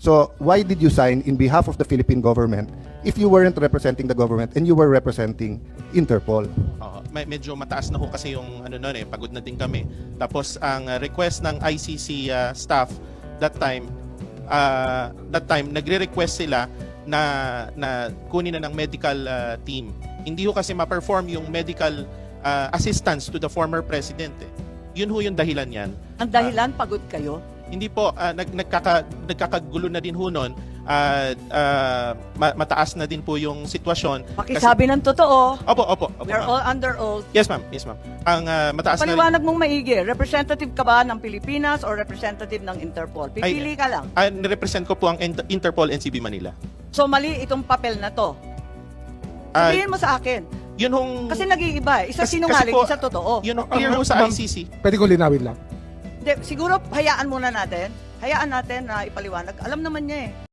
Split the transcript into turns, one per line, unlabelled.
So why did you sign in behalf of the Philippine government if you weren't representing the government and you were representing Interpol?
Oo, medyo mataas na ho kasi yung ano noon pagod na din kami. Tapos ang request ng ICC staff that time nagre-request sila na kunin na ng medical team. Hindi ho kasi ma-perform yung medical assistance to the former president. Yun ho yung dahilan yan.
Ang dahilan, pagod kayo?
Hindi po, nagkakagulo na din ho nun. Mataas na din po yung sitwasyon.
Pakisabi ng totoo.
Opo,
We're
ma'am.
all under oath.
Yes, ma'am. Ang mataas na
Paliwanag mong maigi. Representative ka ba ng Pilipinas or representative ng Interpol? Pipili ka lang.
nirepresent ko po ang Interpol NCB Manila.
So mali itong papel na to. Sabihin mo sa akin.
Yun hong...
Kasi nag-iiba. Isa
Kasi
sinungaling,
po,
isa totoo.
Yun ang clear ho sa
Ma'am,
ICC.
Pwede ko linawin lang.
Siguro hayaan muna natin. Hayaan natin na ipaliwanag. Alam naman niya eh.